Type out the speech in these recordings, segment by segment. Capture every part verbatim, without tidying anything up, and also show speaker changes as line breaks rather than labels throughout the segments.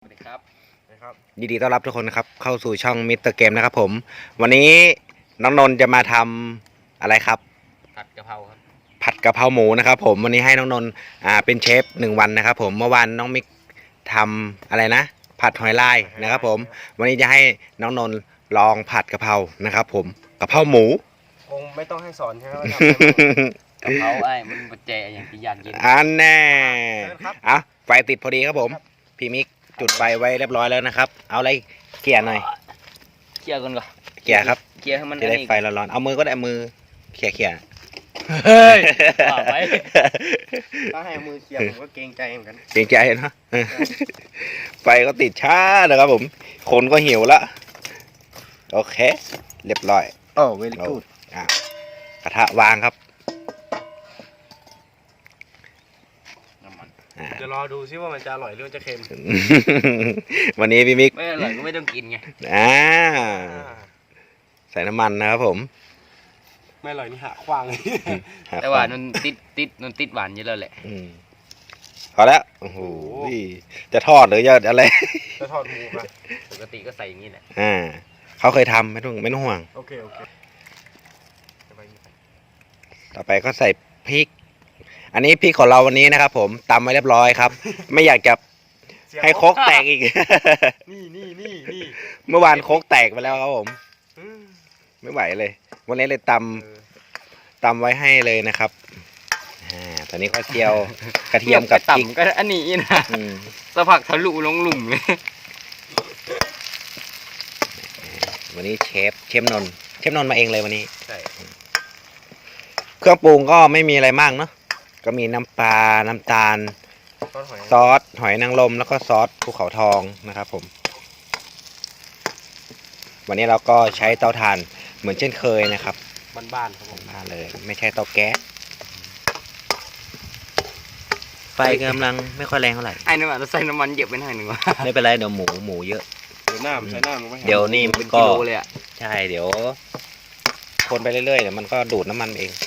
วัสดีครับ
นะครับยินดีต้อนรับทุกคนนะครับเข้าสู่ช่องมิสเตอร์เกมนะครับผมวันนี้น้องนนท์จะมาทำอะไรครับ
ผัดกะเพราครับ
ผัดกะเพราหมูนะครับผมวันนี้ให้น้องนนท์อ่าเป็นเชฟหนึ่งวันนะครับผมเมื่อวานน้องมิกทำอะไรนะผัดหอยลายนะครับผมวันนี้จะให้น้องนนท์ลองผัดกะเพรานะครับผมกะเพราหมู
คงไม่ต้องให้สอนใช่ไหมว่าก
ะเพราไอ้มันปัจจัยอย่างที่ยันเย็น
อันแน่อ่ะไฟติดพอดีครับผมพี่มิกจุดไฟไว้เรียบร้อยแล้วนะครับเอาอะไรเกี่ยหน่อย
เคี่ยวกันก่อน
เกี่ยครับ
เคี่ยวให้มัน
จะได้ไฟร้อนๆเอามือก็ได้มือเขี่ยเขี่ย
เฮ้ยไป
ถ้าให้มือเขี่ยผมก็เกรงใจเหมือนกัน
เกรงใจนะไฟก็ติดช้านะครับผมคนก็หิวละโอเคเรียบร้อย
โอ้เวลี่กูด
อ่ะกระทะวางครับ
จะรอดูซิว่ามันจะอร่อยหรือจะเค็ม
วันนี้พี่มิก
ไม่อร่อยก็ไม่ต้องกินไง
อ่าใส่น้ำมันนะครับผม
ไม่อร่อยนี่หาขว้างเลย
แต่ว่านนติดติดนนติดหวานเยอะแล้วแหละ
พอแล้วโอ้โหจะทอดหรือจะอะไร
จะทอดหมูครับ
ปกติก็ใส่อย่างนี้แหละ
อ่าเขาเคยทำไม่ต้องไม่ต้องห่วง
โอเคโอเค
ต่อไปก็ใส่พริกอันนี้พริกของเราวันนี้นะครับผมตำไว้เรียบร้อยครับไม่อยากจะให้โคกแตกอีก
นี่นี่นี่นี่
เมื่อวานโคกแตกไปแล้วครับผมไม่ไหวเลยวันนี้เลยตำตำไว้ให้เลยนะครับอ่าตอนนี้ก็เจียวกระเทียมกับพริก
ก็อันนี้นะสะพักทะลุลงหลุมเลย
วันนี้เชฟเชฟนนท์เชฟนนท์มาเองเลยวันนี้
ใช่
เครื่องปรุงก็ไม่มีอะไรมากเนาะก็มีน้ำปลาน้ำตาลซอสหอยนางรมแล้วก็ซอสภูเขาทองนะครับผมวันนี้เราก็ใช้เตาถ่านเหมือนเช่นเคยนะครับ
บ้านๆครับผม
บ้านเลยไม่ใช่เตาแก๊สไฟกำลังไม่ค่อยแรงเท่าไหร่
ไอ้นี่ว่าเราใส่น้ำมันเยอะไปหน่อยหนึ่งวะ
ไม่เป็นไรเดี๋ยวหมูหมูเยอะ
เดี๋ยวน้ำใช้น้ำ
เดี๋ยวนี่มันก็ใช่เดี๋ยวคนไปเรื่อยๆเดี๋ยวมันก็ดูดน้ำมันเอง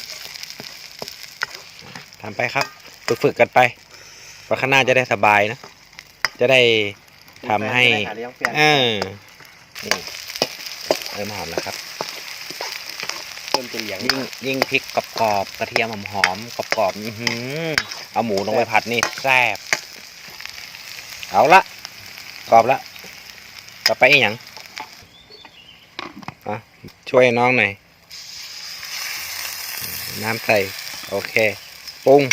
ทำไปครับฝึกๆกันไปเพราะข้างหน้าจะได้สบายนะจะได้ทำให้เออนี่เริ่มหอมแล้วครับ
เริ่มจะเหลียง
ยิ่งยิ่งพริกกรอบๆกระเทียมหอมๆกรอบๆอือเอาหมูลงไปผัดนี่แซ่บเอาละกรอบละต่อไปอีกอย่างอ่ะช่วยน้องหน่อยน้ำใส่โอเคปรุง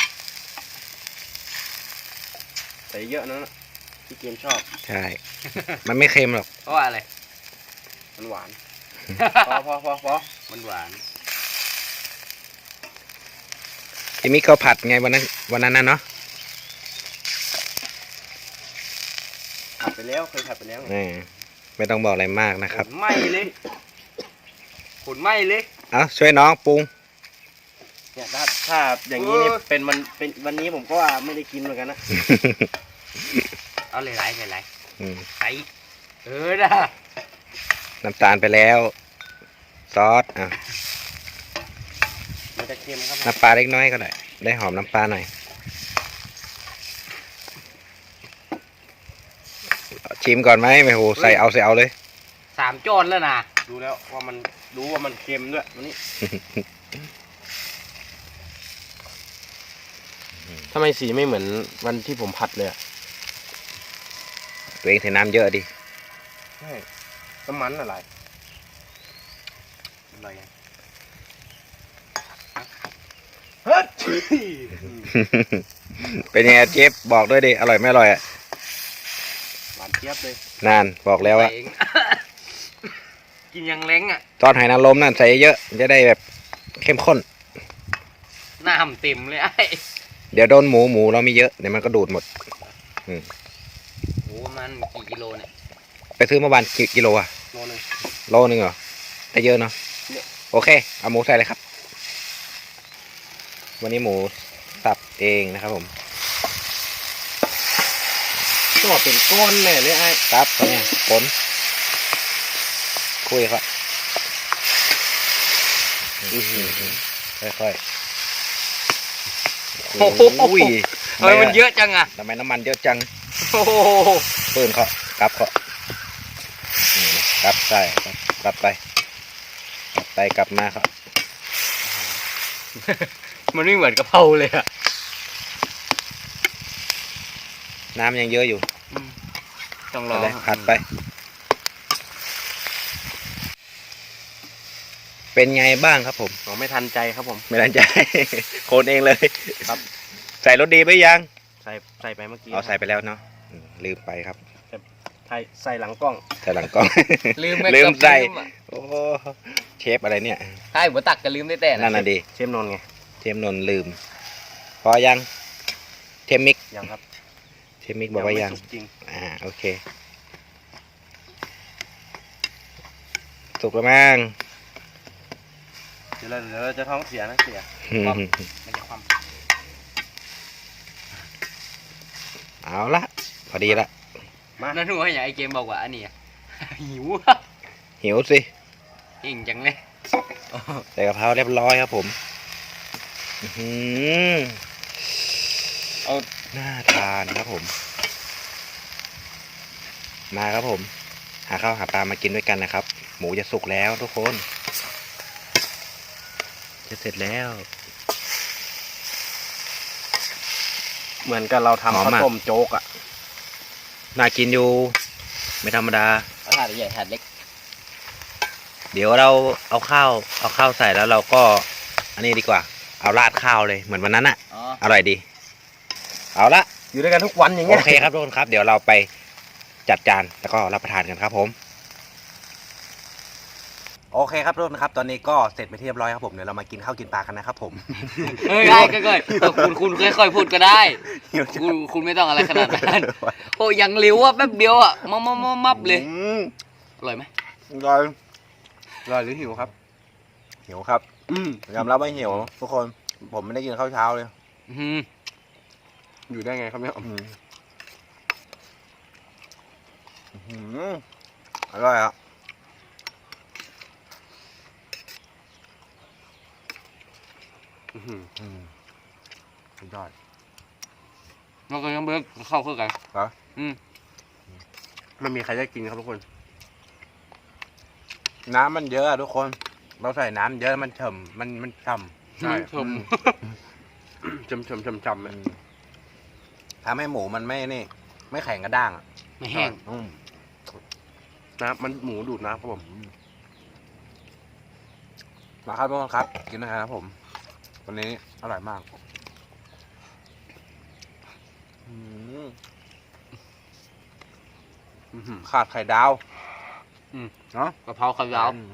ใส่เยอะนะที่เกมชอบ
ใช่ มันไม่เค็มหรอก
เพราะว่าอะไร
มันหวานพอพอพอพอ
มันหวาน
พี่มิกเขาผัดไงวันนั้นวันนั้นน่ะเนาะ
ผัดไปแล้วเคยผัดไปแล้ว
ไงไม่ต้องบอกอะไรมากนะครับ
ไหม้เลยขนไหม้เลย
เอาช่วยน้องปรุง
เนี่ยถ้าถ้าอย่างนี้นี่เป็นมันเป็นวันนี้ผมก็ว่าไม่ได้กินเหมือนกันนะ
เอาเลยไหลเลยไหลไหลเออนะ
น้ำตาลไปแล้วซอสอ่ะ
มันจะเค็มครับ
น้ำปลาเล็กน้อยก็ได้ได้หอมน้ำปลาหน่อยชิมก่อนไหมไม่โหใส่เอาใส่เอาเลย
สามจอนแล้วนะ
ดูแล้วว่ามันรู้ว่ามันเค็มด้วยวันนี้ทำไมสีไม่เหมือนวันที่ผมผัดเลย
ตัวเองใส่น้ำเยอะดิ
ใช่น้ำมันอะไรอะไรเฮ้ย
เป็นยังไงเจฟบอกด้วยดิอร่อยไม่อร่อยอ่ะ
หวานเจี๊ยบเลย
นานบอกแล้วอะ
กินยังเล้งอ่ะ
ตอนหอยนางรมนั่นใส่เยอะจะได้แบบเข้มข้น
น้ำเต็มเลยไอ้
เดี๋ยวโดนหมูหมูเรามีเยอะเดี๋ยวมันก็ดูดหมดอืม
หมูมันกี่กิโลเนี่ย
ไปซื้อเมื่อวานกี่กิโลอะ
โลนึง
โลนึงเหรอแต่เยอะเนาะโอเคเอาหมูใส่เลยครับวันนี้หมูสับเองนะครับผม
ตัวเป็นก้อนเลยเลยไอ้
ครับตอนนี้ผลคุยครับค่อยๆ
โอ้โหทำไมมันเยอะจังอะ
ทำไมน้ำมันเยอะจัง
โอ้โห
ปืนเขากลับเขานี่นะกลับใช่ครับกลับไปกลับไปกลับมาครับ
มันไม่เหมือนกะเพราเลยอะ
น้ำยังเยอะอยู่
ต้องรอ
ไปเลยผัดไป เป็นไงบ้างครับผม
ผมไม่ทันใจครับผม
ไม่ทันใจ โคนเองเลย
ครับ
ใส่รสดีไปยัง
ใส่ใส่ไปเมื่อกี้
เอาใส่ไปแล้วเนาะอืมลืมไปครับ
ใส่ใส่หลังกล้อง
ใส่หลังกล้อง
ลืม
ลืมใส่
อะ
โอ้เชฟอะไรเนี่ย
ใช่หัวตักก็ลืมได้แต่
นั่นน่ะดี
เชฟนนท์ไง
เชฟนนท์ลืม พอยังเทมมิก
ยังครับ
เทมมิกบอกว่ายัง
ไม่สุกจริง
อ่าโอเคสุกแล้วมั้ง
เดี๋ยวเราเดี๋ยวเราจะท้องเสียนะเสีย
มันจะความ
เอาละพอดีละ
มา
นั่นหัวอย่างไอเกมบอกว่าอันนี้อะ หิว
หิวสิ
เก่งจังเลย
ใส่กะเพราเรียบร้อยครับผมอื้อหือ
เอา
น่าทานครับผม มาครับผม หาข้าวหาปลามากินด้วยกันนะครับ หมูจะสุกแล้วทุกคน จะเสร็จแล้ว
เหมือนกับเราทำ
หอม
ข้าว
มาก
ต้มโจ๊กอ่ะ
น่ากินอยู่ ไม่ธรรมดา
เอาถาดใหญ่ถาดเล็ก
เดี๋ยวเราเอาข้าวเอาข้าวใส่แล้วเราก็ อันนี้ดีกว่า เอาราดข้าวเลยเหมือนวันนั้นอะ
อ๋อ
อร่อยดี เอาละ
อยู่ด้วยกันทุกวันอย่าง
โอ
เงี้ย
เคครับทุกคนครับ เดี๋ยวเราไปจัดจานแล้วก็รับประทานกันครับผม โอเคครับทุกคนครับ ตอนนี้ก็เสร็จไปที่เรียบร้อยครับผมเดี๋ยวเรามากินข้าวกินปลากันนะครับผม
เฮ้ยได้ค่อยๆเออคุณคุณค่อยๆพูดก็ได้ คุณคุณไม่ต้องอะไรขนาดนั้นโอ้ยังเร็วอ่ะแป๊บเดียวอ่ะมับมับมับมับเลย
อืม
อร่อยไหม
อร่อย
รอยหรือหิวครับ
หิวครับ
อืม
ยอมรับว่าหิวทุกคนผมไม่ได้กินข้าวเช้าเลย
อื้อหือ
อยู่ได้ไงครับเนี่ย
อืมอื้อหืออร่อยอ่ะ
อื้อหือ
อืมสุดยอด
เราก็ยังเบิกเข้าเข้ากัน
เหรอ
อืม
ไม่มีใครได้กินครับทุกคน
น้ำมันเยอะอะทุกคน เราใส่น้ำเยอะมันเฉ่ำมันมันฉ่ำ
ใช่
ชม
จำจำจำจำ
มันทำให้หมูมันไม่นี่ ไม่แข็งกระด้างอ่ะ
ไม่แห้ง
อืม
น้ำมันหมูดูดน้ำครับผม
มาครับทุกคนครับ กินนะครับผม วันนี้อร่อยมากอืม
อื้อหือ
ขาดไข่ดาว
อืม
เนาะ
กะเพราข้าวยาว
อืม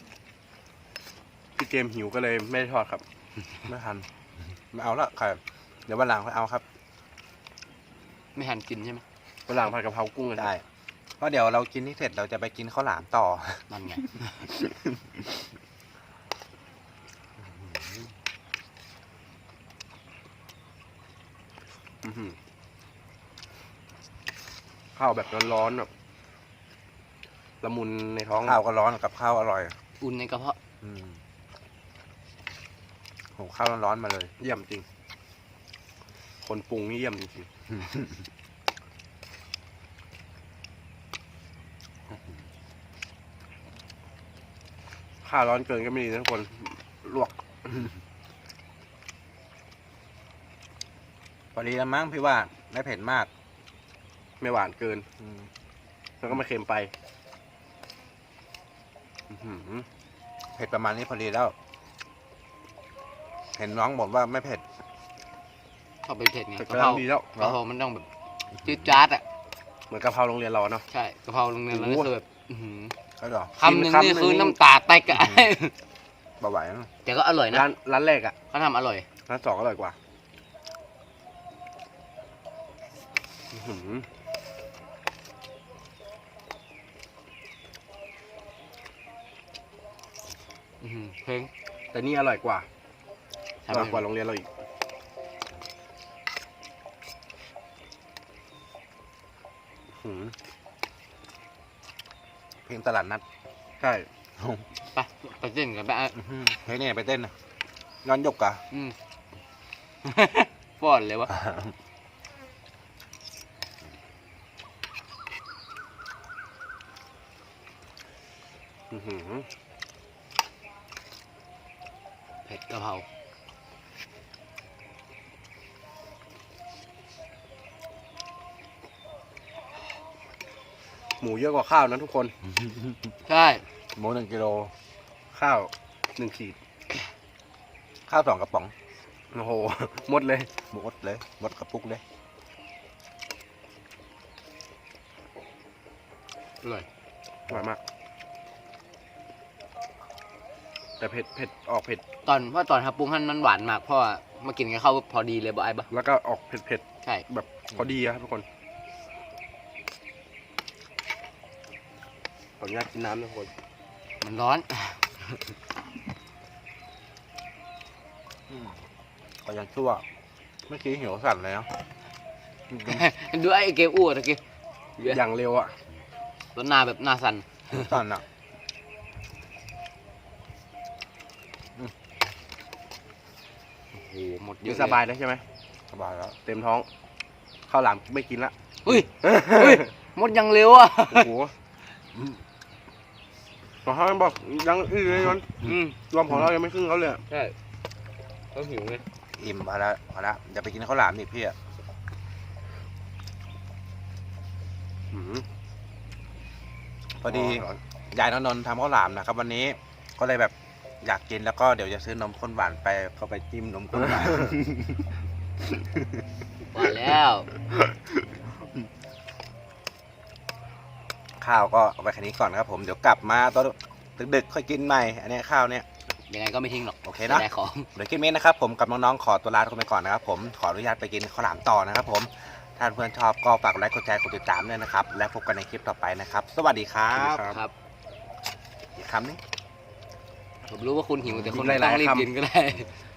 พี่เกมหิวก็เลยไม่ได้ทอดครับ
ไม่ทันไม่เอาละไข่เดี๋ยววันหลังค่อยเอาครับ
ไม่หันกินใช่ไหม
ฝรั่งผัดกะเพรากุ้งกัน
ได้เพราะเดี๋ยวเรากินที่เสร็จเราจะไปกินข้าวหลามต่อ
นั่นไง
อื้อหือข้าวแบบร้อนๆแบบละมุนในท้อง
ข้าวก็ร้อนกับข้าวอร่อย
อุ่นในกระเพาะ
อืมโหข้าวร้อนๆมาเลย
เยี่ยมจริง คนปรุงนี่เยี่ยมจริงๆข้าวร้อนเกินก็ไม่ดีนะทุกคนลวก
พอดีแล้วมั้งพี่ว่าไม่เผ็ดมาก
ไม่หวานเกิน
อืม
แล้วก็ไม่เค็มไปอื้อหือ
เผ็ดประมาณนี้พอดีแล้ว เห็นน้องบอกว่าไม่เผ็ด
ชอบไปเผ็ดไง
แต่
กะ
กำ
เพ
ลั
ราง
ดีแล้ว
กะเพรามันต้องแบบจืดจ๊าดอ่ะ
เหมือนกะเพราโรงเรียนเราเนาะ
ใช่กะเพราโรงเรียนเรา
โอ้
นี่
โห
คือแบบอื้อหือ
ใช่หรอ
คำหนึ่ง
คำหนึ่
นี่
ง
คือน้ำตาแตกอะ
เบาไหวนะ
แต่ก็อร่อยนะ
ร้านร้านแรกอะ
เขาทำอร่อย
ร้านสองอร่อยกว่าอื้อหือ
อื้อหือเพลง
แต่นี่อร่อยกว่า
ใช่
อ
ไหม
ร่อยกว่าโรงเรียนเราอีกอื้อหือ
เพลงตลาดนัด
ใช่
ไปไปเต้นกันไปอ่ะ
อื้อหือเพลงนี้ไปเต้นนะย้อนยกกะ
อืม ป้อนเลยวะ
อื้อหือ
เผ็ดกะเพรา
หมูเยอะกว่าข้าวนะทุกคน
ใช่
หมูหนึ่งกิโล
ข้าวหนึ่งขีด
ข้าวสองกระป๋อง
โอ้โห หมดเลย
หมดเลยหมดกระปุกเลย
อร่อย
อร่อยมาก แต่เผ็ดเผ็ดออกเผ็ด
ตอนเพราะตอนทับปรุงหั่นมันหวานมากเพราะว่ามากินกับข้าวพอดีเลยบ่ไอ้ปะ
แล้วก็ออกเผ็ดเผ็ด
ใช่
แบบพอดีอะครับทุกคนขออนุญาตกินน้ำนะทุกคน
มันร้อน
ก็ยังชั่วเมื่อกี้หิวสั่นเลยเนาะ
ดูไอ้เกมอ้วนตะกี้
อย่างเร็วอะ
ต้นหน้าแบบหน้าสั่น
หิวสั่นอ่ะ
โอ้โหหมดเย
กิน
อะ
สบายแล้วใช่ไหม
สบายแล้ว
เต็มท้องข้าวหลามไม่กินละ
เฮ้ยเฮ้ยหมดยังเร็วอ่ะ
โอ้โหขอเขาบอกยังอื้อเลยนน
อืม
รวมของเรายังไม่ครึ่งเขาเลยอะ
ใช่เขาหิวไง
อิ่มพอแล้วพอแล้วอย่าไปกินข้าวหลามนี่พี่อะ
อื้อหือ
พอดียายน้องนนท์ทำข้าวหลามนะครับ วันนี้ก็เลยแบบอยากกินแล้วก็เดี๋ยวจะซื้อนมข้นหวานไปเข้าไปจิ้มนมข้นหวาน
ว่าแล้ว
ข้าวก็เอาไปแค่นี้ก่อนครับผมเดี๋ยวกลับมาตอนดึกๆค่อยกินใหม่อันนี้ข้าวเนี่ย
ยังไงก็ไม่ทิ้งหรอก
โอเคนะ
จะได้ของ
เดี๋ยวคลิปนี้นะครับผมกับน้องๆขอตัวลาทุกคนไปก่อนนะครับผมขออนุญาตไปกินข้าวหลามต่อนะครับผมถ้าเพื่อนชอบก็ฝากกดไลค์กดแชร์กดติดตามด้วยนะครับและพบกันในคลิปต่อไปนะครับ สวัสดีครับ
ครับ
อีกคำนึง
ผมรู้ว่าคุณหิวแต่คุณ
หลายๆ
ต้องรีบ
คำ
กินก็ได้